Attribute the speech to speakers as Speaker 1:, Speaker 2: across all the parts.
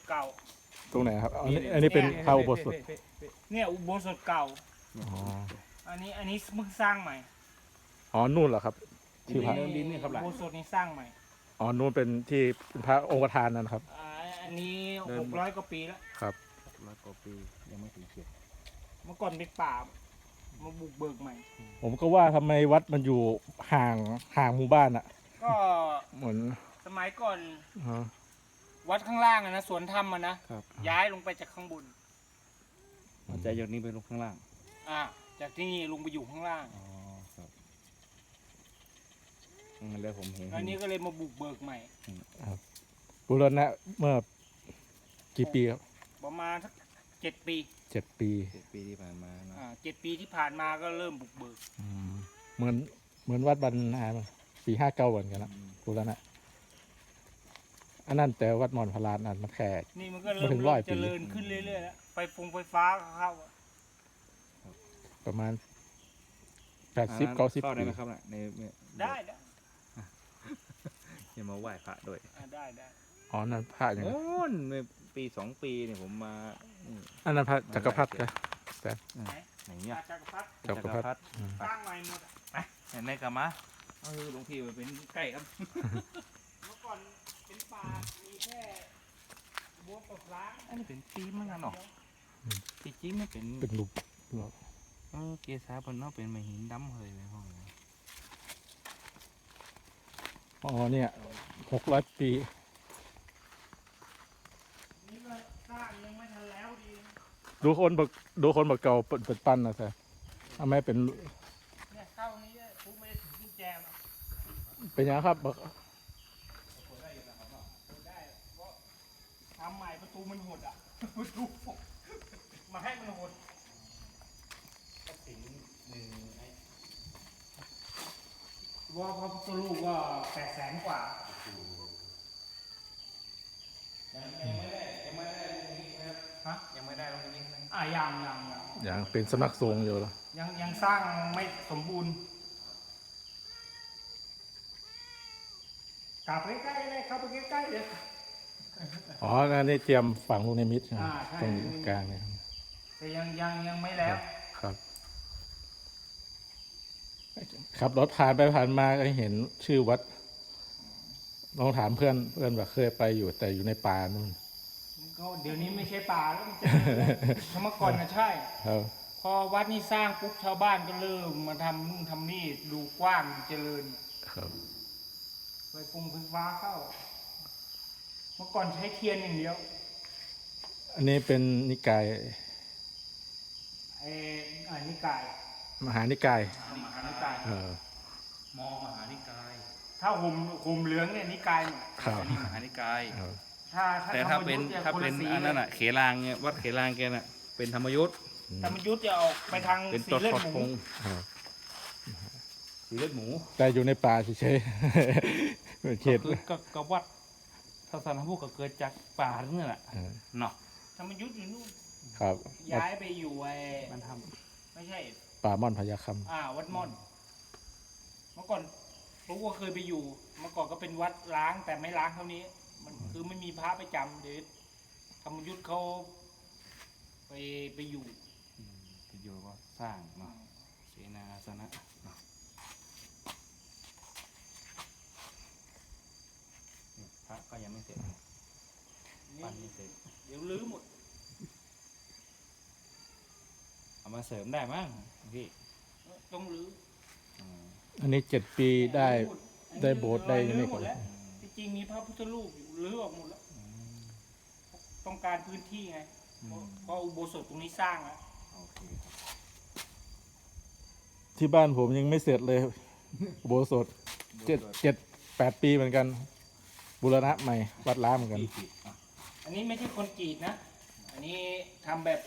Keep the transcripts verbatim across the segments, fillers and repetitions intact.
Speaker 1: เก่า
Speaker 2: ตรงไหนครับอันนี้อันนี้เป็นพระอุโบสถ
Speaker 1: เนี่ยอุโบสถเก่า
Speaker 2: อ๋อ
Speaker 1: อันนี้อันนี้เพิ่งสร้างใหม่
Speaker 2: อ๋อนู่นเหรอครับที่พระ
Speaker 1: เดิมดินนี่ครับอุโบสถนี้สร้างใหม่
Speaker 2: อ๋อนู่นเป็นที่เป็นพระองค์ประธานนั่นครับ
Speaker 1: อ่าอันนี้หกร้อยกว่าปีแล้ว
Speaker 2: ครับ
Speaker 3: ร้อยกว่าปียังไม่ถึงเจ็ด
Speaker 1: เมื่อก่อนเป็นป่ามาบุกเบิกใหม่
Speaker 2: ผมก็ว่าทำไมวัดมันอยู่ห่างห่างหมู่บ้านอ่ะ
Speaker 1: ก็
Speaker 2: เหมือน
Speaker 1: สมัยก่อนวัดข้างล่างนะสวนธรรมนะย้ายลงไปจากข้างบน
Speaker 3: จากจากนี้ไปลงข้างล่าง
Speaker 1: อ่าจากที่นี่ลงไปอยู่ข้างล่าง
Speaker 3: อ๋อครับแล้วผมเห็น
Speaker 1: อันนี้ก็เลยมาบุกเบิกใหม่
Speaker 2: ครับบูรณะเมื่อกี่ปีครับ
Speaker 1: ประมาณสักเจ็ดปี
Speaker 2: เจ็ดปี
Speaker 3: เจ็ดปีที่ผ่านมา
Speaker 1: อ่าเจ็ดปีที่ผ่านมาก็เริ่มบุกเบิก
Speaker 2: เหมือนเหมือนวัดบรรณาปีห้าเก้าเหมือนกันนะบูรณะอันนั้นแต่วัดมอนพลานอันมันแค่
Speaker 1: นี่มันก็เริ่มเจริญขึ้นเรื่อยๆแล้วไฟฟงไฟฟ้าเข้า
Speaker 2: ประมาณแปดสิบเก้าสิบ
Speaker 3: ได้ไหมครับใน
Speaker 1: ได้ได้
Speaker 3: ยังมาไหว้พระด้วย
Speaker 1: ได้ได้
Speaker 2: อ๋อนั่นพระอย่าง
Speaker 3: โอ้นเมื่อปีสองปีเนี่ยผมมา
Speaker 2: อันนั้นพระจักรพรรดินะแต่
Speaker 3: ไหนเนี่ย
Speaker 1: จักรพรรดิ
Speaker 2: จักรพรรดิ
Speaker 1: สร้างใหม่หมด
Speaker 3: ไปเห็นไหมกลับมาเออหลวงพี่เป็นใกล้ครับ
Speaker 1: เมื่อก่อนเป็นป่ามีแค่บัวปลา
Speaker 3: อันนี้เป็นปีมั้งกันเนาะจริงๆไม่เป็น
Speaker 2: เป็นรูป
Speaker 3: เออเกศาเป็นเนาะเป็นไม้หินดำเลยในห้อง
Speaker 2: อ๋อเนี่ยหกร้อยปี
Speaker 1: นี่ก็สร้างยังไม่ทันแล้วดี
Speaker 2: ดูคนบักดูคนบักเก่าเปิดปั้นนะแซ่ทำไมเป็น
Speaker 1: เนี่ยเข้านี้ปุ๊บไม่ได้ถึงกุญแจมา
Speaker 2: เป็นยังครับบัก
Speaker 1: ทำใหม่ประตูมันหดอ่ะประตูมาให้มันหดก็สิงหนึ่งไอ้ว่าพระพุทธรูปก็แปดแสนกว่ายังยังไม่ได้ยังไม่ได้ลงนี้นะครับฮะยังไม่ได้ลงนี้นะอ่ายังยังยัง
Speaker 2: ยังเป็นสำนักสงฆ์อยู่หรอ
Speaker 1: ยังยังสร้างไม่สมบูรณ์กลับใกล้ๆเลยเข้าไปใกล้ๆเลย
Speaker 2: อ๋อนั่นนี่เตรียมฝังลูกในมิตรตรงกลางเนี่ย
Speaker 1: แต่ยังยังยังไม่แล้ว
Speaker 2: ครับขับรถผ่านไปผ่านมาก็เห็นชื่อวัดลองถามเพื่อนเพื่อนว่าเคยไปอยู่แต่อยู่ในป่านู่น
Speaker 1: ก็เดี๋ยวนี้ไม่ใช่ป่าแล้วเมื่อก่อนนะใช่พอวัดนี้สร้างปุ๊บชาวบ้านก็เริ่มมาทำนู่นทำนี่ดูกว้างเจริญ
Speaker 2: ครับ
Speaker 1: ไฟฟงไฟฟ้าเข้าเมื่อก่อนใช้เทียนอย่างเดียว
Speaker 2: อันนี้เป็นนิกาย
Speaker 1: ไอ้อ่านิกาย
Speaker 2: มหานิกาย
Speaker 1: มหานิกาย
Speaker 2: เออ
Speaker 3: มอมหานิกาย
Speaker 1: ถ้าห่มห่มเหลืองเนี่ยนิกาย
Speaker 3: อันนี้มหานิกาย
Speaker 1: ถ้า
Speaker 3: แต่ถ้าเป็นถ้าเป็นอันนั้นอ่ะเขลางเนี่ยวัดเขลางแกน่ะเป็นธรรมยุทธ์
Speaker 1: ธรรมยุทธ์จะออกไปทางสีเลือดหมู
Speaker 3: สีเลือดหมู
Speaker 2: แต่อยู่ในป่าเฉยๆเขต
Speaker 3: ก็วัดศาสนาพุทธก็เกิดจากป่านี่แหละเนาะ
Speaker 1: ธรรมยุทธ์อยู่นู่น
Speaker 2: ครับ
Speaker 1: ย้ายไปอยู่ไอ้
Speaker 3: มันท
Speaker 1: ำไม่ใช่
Speaker 2: ป่าม่อนพญาค
Speaker 1: ำอ่าวัดม่อนเมื่อก่อนรู้ว่าเคยไปอยู่เมื่อก่อนก็เป็นวัดล้างแต่ไม่ล้างเท่านี้มันคือไม่มีพระไปจำเดี๋ยวธรรมยุทธ์เขาไปไปอยู่
Speaker 3: ไปอยู่ก็สร้างเนาะเสนาสนะเนาะพระก็ยังไม่เสร็จปั้นไม่เสร็จ
Speaker 1: เดี๋ยวลื้อหมด
Speaker 3: เอามาเสริมได้มั้งพี่
Speaker 1: ต้องลื้อ
Speaker 2: อันนี้เจ็ดปีได้ได้โบสถ์ได้ยังไม่หมด
Speaker 1: จริงๆมีพระพุทธรูปอยู่ลื้อออกหมดแล้วต้องการพื้นที่ไงเพราะอุโบสถตรงนี้สร้างแล้ว
Speaker 2: ที่บ้านผมยังไม่เสร็จเลยอุโบสถเจ็ดเจ็ดแปดปีเหมือนกันบูรณะใหม่วัดล้างเหมือนกัน
Speaker 1: อันนี้ไม่ใช่คนกรีดนะอันนี้ทำแบบ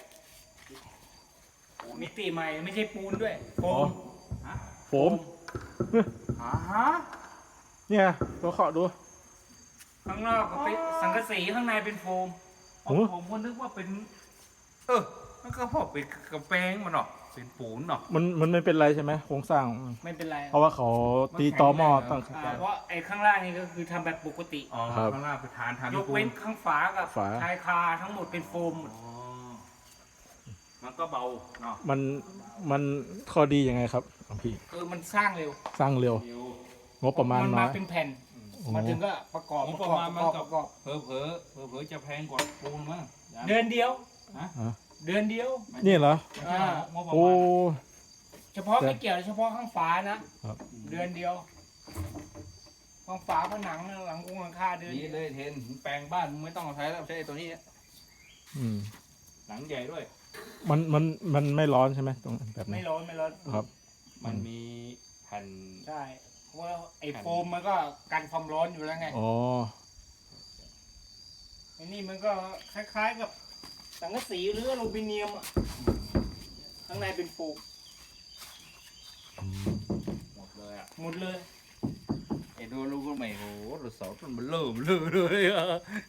Speaker 1: มิติใหม่ไม่ใช่ปูนด้วยโฟม
Speaker 2: โฟม
Speaker 1: อ่าฮะ
Speaker 2: เนี่ยเราเคาะดู
Speaker 1: ข้างนอกเป็นสังกะสีข้างในเป็นโฟมผมก็นึกว่าเป็น
Speaker 3: เออมันก็พอเป็นกระแปงมันหรอเป็นปูนเนาะ
Speaker 2: มันมันไม่เป็นไรใช่ไหมโครงสร้าง
Speaker 1: ไม่เป็นไร
Speaker 2: เพราะว่าเขาตีตอหม้อตั้ง
Speaker 1: อ่าเพราะไอ้ข้างล่างนี่ก็คือทำแบบปกติ
Speaker 3: อ๋อ
Speaker 2: ครับ
Speaker 3: ข้างล่างเป็นฐานฐาน
Speaker 1: ยกเว้นข้างฝากับ
Speaker 2: ฝา
Speaker 1: ชายคาทั้งหมดเป็นโฟมหมด
Speaker 3: อ๋อมันก็เบาเนาะ
Speaker 2: มันมันข้อดียังไงครับหลวงพี่
Speaker 1: คือมันสร้างเร็ว
Speaker 2: สร้างเร็ว
Speaker 3: เดี๋ยว
Speaker 2: งบประมาณ
Speaker 1: มัน
Speaker 2: น้
Speaker 1: มา
Speaker 2: อย
Speaker 1: เป็นแผ่น
Speaker 2: โอ้
Speaker 1: มาถึงก็ประกอบ
Speaker 3: ง
Speaker 1: ป
Speaker 3: บ
Speaker 1: ระ
Speaker 3: ประ
Speaker 1: กอบ
Speaker 3: มาณ
Speaker 1: ประ
Speaker 3: มัน
Speaker 1: กอบ
Speaker 3: ก็
Speaker 1: ประกอบ
Speaker 3: เผลอเผลอเผลอเผลอๆจะแพงกว่าปูนมั้ง
Speaker 1: เดือนเดียว
Speaker 3: ฮะ
Speaker 2: อ่ะ
Speaker 1: เดือนเดียว
Speaker 2: นี่เหรอ
Speaker 3: ไม่ใช่เหรองบประ
Speaker 2: โอ้
Speaker 3: มาณ
Speaker 1: เฉพาะไม่เกี่ยวเฉพาะข้างฝานะครับ เดือนเดียวข้างฝาผนังหลังกงหลังคาเดือน
Speaker 3: นี่เลยเทนแปลงบ้านมึงไม่ต้องเอาใช้แล้วใช้ไอ้ตัวนี้
Speaker 2: อืม
Speaker 3: หลังใหญ่ด้วย
Speaker 2: มันมันมันไม่ร้อนใช่ไหมตรงแบบ
Speaker 1: ไม่
Speaker 2: นี้
Speaker 1: ร้อนไม่ร้อน
Speaker 2: ครับ
Speaker 3: มันมีแผ่น
Speaker 1: ใช่เพราะว่าไอ้โฟมมันก็กันความร้อนอยู่แล้วไง
Speaker 2: อ๋อ
Speaker 1: ไอ้นี่มันก็คล้ายๆกับสังกะสีหรืออลูมิเนียมอะข้างในเป็นโฟม
Speaker 3: หมดเลยอ่ะ
Speaker 1: หมดเลย
Speaker 3: ไอ้ดูลูกก็ไม่โหรถเสาต้นมันเริ่มเลยเลยอ่ะ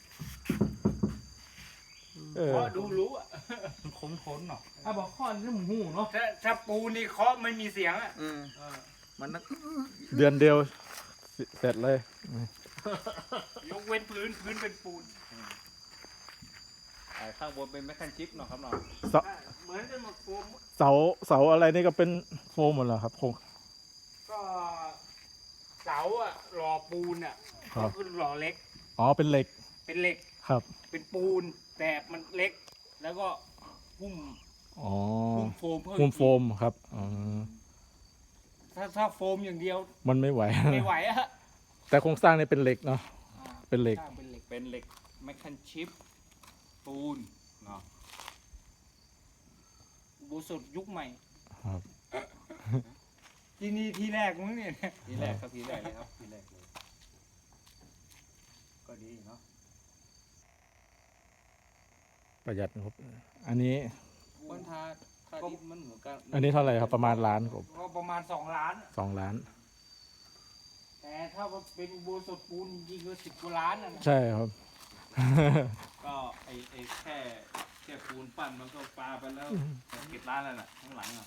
Speaker 2: เออ
Speaker 1: เพราะดูรู้อะ
Speaker 3: มันคมทนเนาะถ้าบอกข้อนี่มึงหูเนาะ
Speaker 1: ถ้าถ้าปูนี่เคาะไม่มีเสียงอะ
Speaker 3: อืมมันนัก
Speaker 2: เดือนเดียวเสร็จเลย
Speaker 1: ยกเว้นพื้นพื้นเป็นปูน
Speaker 3: ไอ้ข้างบนเป็นแมคคันชิปเนาะครับเนาะ
Speaker 2: เสา
Speaker 1: เหมือนกันหมดโฟม
Speaker 2: เสาเสาอะไรนี่ก็เป็นโฟมหมดเหรอครับโครง
Speaker 1: ก็เสาอะหล่อปูนอะ
Speaker 2: ครั
Speaker 1: ก็
Speaker 2: บ
Speaker 1: คือหล่อเล็ก
Speaker 2: อ๋อเป็นเหล็ก
Speaker 1: เป็นเหล็ก
Speaker 2: ครับ
Speaker 1: เป็นปูน แต่มันเล็ก แล้วก็หุ้ม
Speaker 2: อ๋อ
Speaker 1: หุ้มโฟมเพิ่
Speaker 2: มุมโฟมครับอ๋อ
Speaker 1: ถ้าถ้าโฟมอย่างเดียว
Speaker 2: มันไม่ไหว
Speaker 1: ไม่ไหวอะ
Speaker 2: แต่โครงสร้างนี่เป็นเหล็กเนาะ
Speaker 1: อ่า
Speaker 2: เป็นเหล็ก
Speaker 1: สร้างเป็นเหล็ก
Speaker 3: เป็นเหล็กแมคคันชิปปูนเนาะ
Speaker 1: อุโบสถยุคใหม่
Speaker 2: ครับ
Speaker 1: ที่นี่ที่แรกมั้งเนี่ย
Speaker 3: ทีแรกครับทีแรกเลยครับทีแรกเลยก็ดีเนาะ
Speaker 2: ประหยัดงบอันนี้
Speaker 3: คนทาทาดินมันเหมือนกัน
Speaker 2: อันนี้เท่าไหร่ครับประมาณล้านกว่า
Speaker 1: ก็ประมาณสองล้าน
Speaker 2: สองล้าน
Speaker 1: แต่ถ้าว่าเป็นอุโบสถปูนจริงๆก็สิบกว่าล้านนะนะ
Speaker 2: ใช่ครับ
Speaker 3: ก็ไอไอแค่แค่ปูนปั้นมันก็ปลาไปแล้วเก็บร้านแล้วน่ะข้างหลังอ่ะ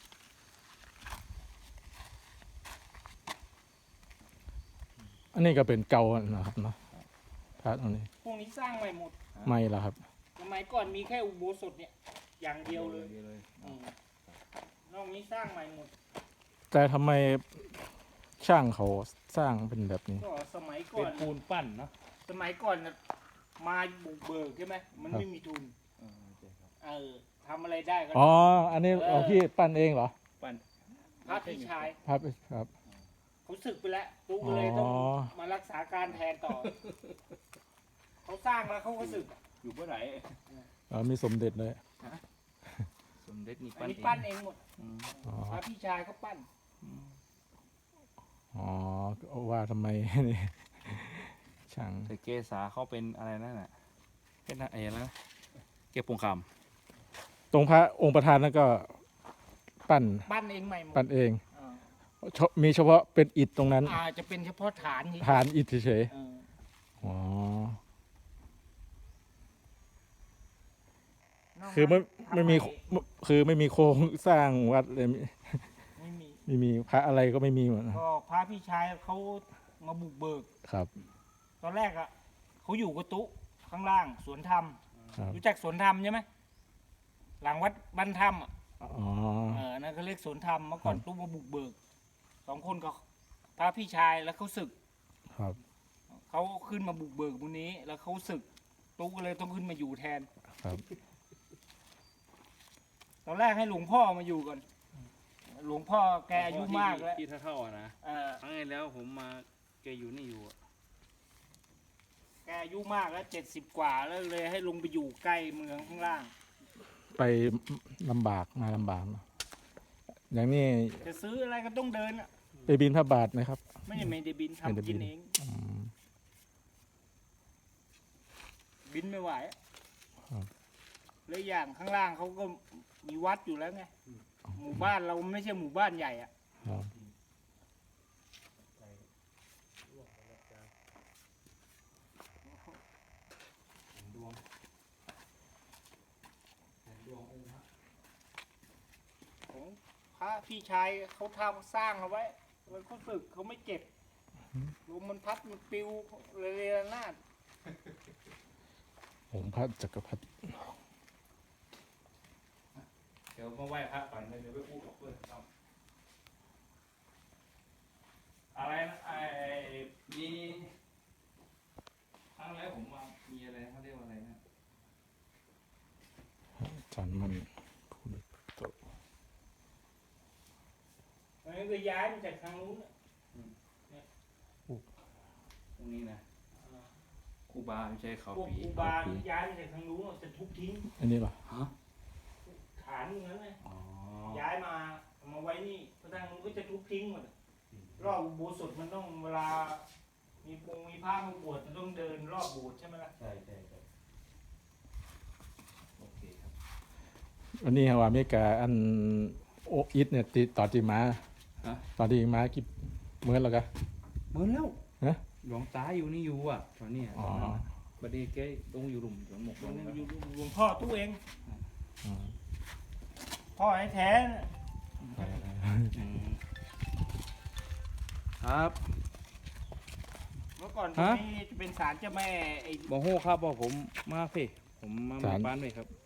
Speaker 2: อันนี้ก็เป็นเก่านะครับเนาะพระตรงนี้
Speaker 1: พวกนี้สร้างใหม่หมด
Speaker 2: ไม่ละครับ
Speaker 1: สมัยก่อนมีแค่อุโบสถเนี่ย อย่างเดียวเลย
Speaker 3: เลย
Speaker 1: อืมนอกนี้สร้างใหม่หมด
Speaker 2: แต่ทำไมช่างเขาสร้างเป็นแบบนี้
Speaker 1: ก็สมัยก่
Speaker 3: เป็
Speaker 1: อน น
Speaker 3: ปูนปั้นเนาะ
Speaker 1: สมัยก่อนน่ะมาบุกเบิกใช่ไหมมัน
Speaker 2: ครับ
Speaker 1: ไม่มีทุน
Speaker 3: เออโอเคครับ
Speaker 1: เออทำอะไรได้ก็
Speaker 2: อ๋อ อันนี้เอาพี่ปั้นเองเหรอ
Speaker 3: ปั้น
Speaker 1: พระพี่ชาย
Speaker 2: ครับครับ
Speaker 1: เขาศึกไปแล้วปุ๊กก็เลยต้อง
Speaker 2: อ๋อ
Speaker 1: มารักษาการแทนต่อ เขาสร้างแล้วเขาก็ศึก
Speaker 3: อยู่เมื่อไหร่
Speaker 2: เออมีสมเด็จเลย
Speaker 3: สมเด็จนี่
Speaker 1: อัน
Speaker 3: ปั้น
Speaker 1: นี้
Speaker 3: เอง
Speaker 1: ปั้นเองหมด
Speaker 3: อืม
Speaker 2: อ๋อ
Speaker 1: พระพี่ชายเขาปั้น
Speaker 2: อ๋อก็ว่าทำไม นี่ช่าง
Speaker 3: แต่เกษาเขาเป็นอะไรนั่นน่ะเป็นอะไรนะเก็บปงค
Speaker 2: ตรงพระองค์ประธานนั่นก็ปั้น
Speaker 1: ปั้นเองใหม่หมด
Speaker 2: ปั้นเอง
Speaker 1: อ่า
Speaker 2: เฉมีเฉพาะเป็นอิฐตรงนั้น
Speaker 1: อาจจะเป็นเฉพาะฐานนี้
Speaker 2: ฐานอิฐเฉย
Speaker 1: เออ
Speaker 2: ๆอ๋อ
Speaker 1: นก
Speaker 2: คือไม่
Speaker 1: นั้น
Speaker 2: ไม่มี
Speaker 1: ทำ
Speaker 2: คือไม่มีโครงสร้างวัดเลย
Speaker 1: ไม่มี
Speaker 2: ไม่มีพระอะไรก็ไม่มีหมดนะ
Speaker 1: ก็พระพี่ชายเขามาบุกเบิก
Speaker 2: ครับ
Speaker 1: ตอนแรกอ่ะเขาอยู่กระตุข้างล่างสวนธรรม
Speaker 2: ครับ
Speaker 1: รู้จักสวนธรรมใช่ไหมหลังวัดบ้านธรรมอ่ะ
Speaker 2: อ๋อ
Speaker 1: เออนั่นเขาเรียกสวนธรรมเมื่อก่อน
Speaker 2: ครับ
Speaker 1: ตู้มาบุกเบิกสองคนกับพระพี่ชายแล้วเขาศึก
Speaker 2: ครับ
Speaker 1: เขาขึ้นมาบุกเบิกบุญนี้ แล้วเขาศึกตู้ก็เลยต้องขึ้นมาอยู่แทน
Speaker 2: ครับ
Speaker 1: ตอนแรกให้หลวงพ่อมาอยู่ก่อน หลวงพ่อ
Speaker 3: ำ
Speaker 1: แกอายุมากแล้ว
Speaker 3: ที่เท่าๆอ่ะนะ
Speaker 1: เออ
Speaker 3: ครั้งที่แล้วผมมาแกอยู่นี่อยู่อะ
Speaker 1: แกอายุมากแล้วเจ็ดสิบกว่าแล้วเลยให้ลงไปอยู่ใกล้เมืองข้างล่าง
Speaker 2: ไปลำบากมาลำบากเนอะอย่างนี้
Speaker 1: จะซื้ออะไรก็ต้องเดินอ่ะ
Speaker 2: ไปบินพระบาทไหมครับ
Speaker 1: ไม่ได้ไม่ได้บิน
Speaker 2: ไม่ได้
Speaker 1: ทำ
Speaker 2: บิ
Speaker 1: กิน
Speaker 2: น
Speaker 1: เอง
Speaker 2: อืม
Speaker 1: บินไม่ไหวอะ
Speaker 2: ครับ
Speaker 1: แล้วอย่างข้างล่างเขาก็มีวัดอยู่แล้วไง หมู่บ้านเราไม่ใช่หมู่บ้านใหญ่อ่ะ
Speaker 2: ครับ
Speaker 3: ดวงดวงองค์พระผ
Speaker 1: ระพี่ชายเขาทำสร้างเอาไว้มันเขาสึกเขาไม่เจ็บลมมันพัดมันปลิวเรยนาด
Speaker 2: องค์พระจักรพรรดิ
Speaker 3: เดี๋ยวมาไหว้พระก่อนเดี๋ยวไปพูดกับเพื่อนครับอะไรนะไอ้มีครั้งแรกผมมามีอะไรเขาเรียกว่าอะไรนะ
Speaker 2: อาจารย์มันพูดโต
Speaker 1: มันก็ย้ายมาจากทางนู้นน่ะ
Speaker 3: ตรงนี้นะครูบาไม่ใช่เขา
Speaker 1: พวก
Speaker 3: ปี
Speaker 1: ครูบาที่ย้ายมาจากทางนู้นน่ะจะทุบทิ้ง
Speaker 2: อันนี้เหรอ
Speaker 3: ฮะ
Speaker 1: ฐานอย่างนั้นเลย
Speaker 3: อ๋อ
Speaker 1: ย้ายมาเอามาไว้นี่พระทางนู้นก็จะทุบทิ้งหมดอะรอบอุโบสถมันต้องเวลา มีปงมีพระมาบวชมันต้องเดินรอบโบสถ์ใช่ไหมล่ะ
Speaker 3: ใช่ใช่ใช่โอเคครับ
Speaker 2: วันนี้ฮาวาอเมริกาอันโออิทเนี่ยติต่อตีมา
Speaker 3: ฮะ
Speaker 2: ตอนที่มากี่เมื่อแล้วกะ
Speaker 3: เหมือนแล้ว
Speaker 2: ฮะ
Speaker 3: หลวงตาอยู่นี่อยู่อ่ะตอนนี้
Speaker 2: อ๋อ
Speaker 3: บัดนี้แกต้องอยู่หลุมหลวงหมก
Speaker 1: หล
Speaker 3: ล
Speaker 1: วง
Speaker 3: งแล้ว
Speaker 1: อยู่หลวงพ่อตู้เอง
Speaker 2: อืม
Speaker 1: พ่อแท้ๆน่ะ
Speaker 3: อืมครับ
Speaker 1: เมื่อก่อนตรง
Speaker 3: ฮะ
Speaker 1: นี้จะเป็นศาลเจ้าแม่ไอ้
Speaker 3: บอโฮครับบอกผมมาเฟ่ผมมาหมู่บ้านเลยครับ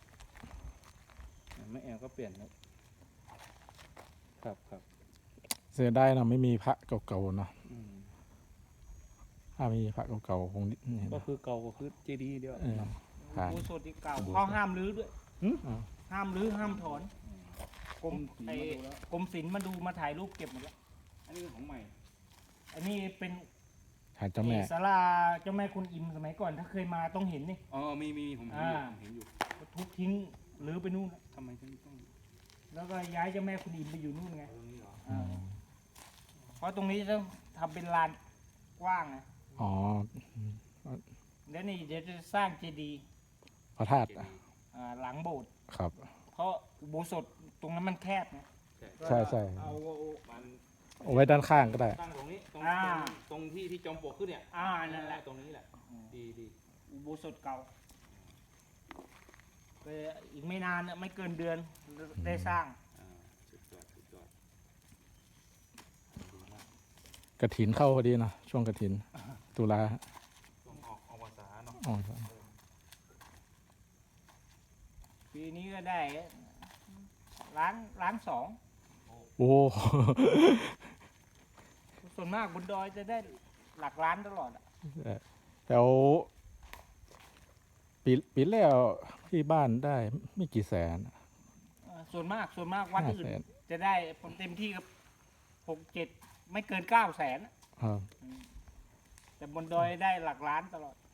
Speaker 3: แม่แอลก็เปลี่ยนครับครับครับ
Speaker 2: เสียได้เนาะไม่มีพระเก่าๆเนาะ
Speaker 3: อืม
Speaker 2: ถ้ามีพระเก่าๆคงนี่
Speaker 3: ก็
Speaker 2: นะ
Speaker 3: คือเก่าก็คือเจดีย์เดียว
Speaker 2: เออ ผ่าน
Speaker 1: อุโบสถที่เก่า
Speaker 2: อุโบสถ
Speaker 1: เขาห้ามรื้อด้วย
Speaker 2: อ่า
Speaker 1: ห้ามรื้อห้ามถอนกรม
Speaker 3: ผม
Speaker 1: ไอ้
Speaker 3: มาดูแล้ว
Speaker 1: กรมศิลป์มาดูมาถ่ายรูปเก็บหมดแล้ว
Speaker 3: อันนี้ของใหม่
Speaker 1: อันนี้เป็น
Speaker 2: ฐานเจ้าแม่
Speaker 1: ศาลาเจ้าแม่คุณอิมสมัยก่อนถ้าเคยมาต้องเห็นนี่
Speaker 3: อ๋อมีมีมีผมเห็นอยู่
Speaker 1: อ่า
Speaker 3: ผมเห็นอยู่
Speaker 1: ทุบทิ้งหรือไปนู่น
Speaker 3: ทำไมถึงต้อง
Speaker 1: แล้วก็ย้ายเจ้าแม่คุณอิมไปอยู่นู่นไง
Speaker 3: เอาตรงนี้เหรอ
Speaker 2: อืม
Speaker 1: เพราะตรงนี้ต้องทำเป็นลานกว้างนะ
Speaker 2: อ๋อ
Speaker 1: แล้วนี่เดี๋ยวจะสร้างเจดีย์
Speaker 2: พระธาตุ
Speaker 3: เจดีย์
Speaker 1: อ่าหลังโบสถ์
Speaker 2: ครับ
Speaker 1: เพราะอุโบสถตรงนั้นมันแคบนะ
Speaker 3: ใช่
Speaker 2: ใช่ใช่
Speaker 1: เอา
Speaker 3: มัน
Speaker 2: เอาไว้ด้านข้างก็ได้
Speaker 3: ตั้งตรงนี้ตรง
Speaker 1: อ่า
Speaker 3: ตรงตรงที่ที่จอมปลวกขึ้นเนี่ย
Speaker 1: อ่านั่นแหละ
Speaker 3: ตรงนี้แหละดีดี
Speaker 1: อุโบสถเก่าไปอีกไม่นานน่ะไม่เกินเดือนได้สร้าง
Speaker 3: อ่าสุดยอดสุดยอดดีมาก
Speaker 2: กระถินเข้าพอดีเนาะช่วงกระถิน ตุลา
Speaker 3: ต้องออกออกภาษาเนาะ
Speaker 2: อ๋อ
Speaker 1: ปีนี้ก็ได้ล้านล้านสอง
Speaker 2: โอ้
Speaker 1: ส่วนมากบนดอยจะได้หลักล้านตลอดอะ
Speaker 2: แล้วปีปีแล้วที่บ้านได้ไม่กี่แสน
Speaker 1: เอ่อส่วนมากส่วนมากวัด
Speaker 2: ห้า
Speaker 1: อื่น
Speaker 2: แสน
Speaker 1: จะได้ผลเต็มที่กับหกเจ็ดไม่เกินเก้าแสนอะ
Speaker 2: ครับ
Speaker 1: แต่บนดอยได้หลักล้านตลอด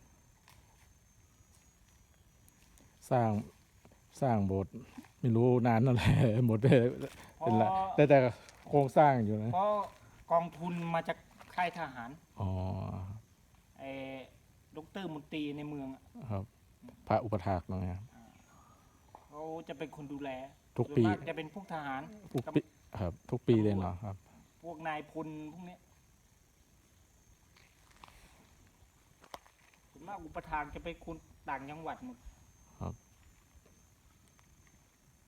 Speaker 2: สร้างสร้างโบสถ์ไม่รู้นานเท่าไหร่ หมดไป
Speaker 1: เพ
Speaker 2: เป็น
Speaker 1: ราะ
Speaker 2: ละแต่แต่โครงสร้างอยู่นะ
Speaker 1: เพราะกองทุนมาจากค่ายทหาร
Speaker 2: อ๋อ
Speaker 1: ไอ้ดรมนตรีในเมืองอะ
Speaker 2: ครับ พระอุปถากเนาะครับ
Speaker 1: เขาจะเป็นคนดูแล
Speaker 2: ทุก
Speaker 1: ส่วน
Speaker 2: ปี
Speaker 1: มากจะเป็นพวกทหาร
Speaker 2: ทุกปีครับ ทุกปีเลยเนาะครับ
Speaker 1: พวกนายพลพวกเนี้ยส่วนมากอุปทานจะเป็นคนต่างจังหวัดหมด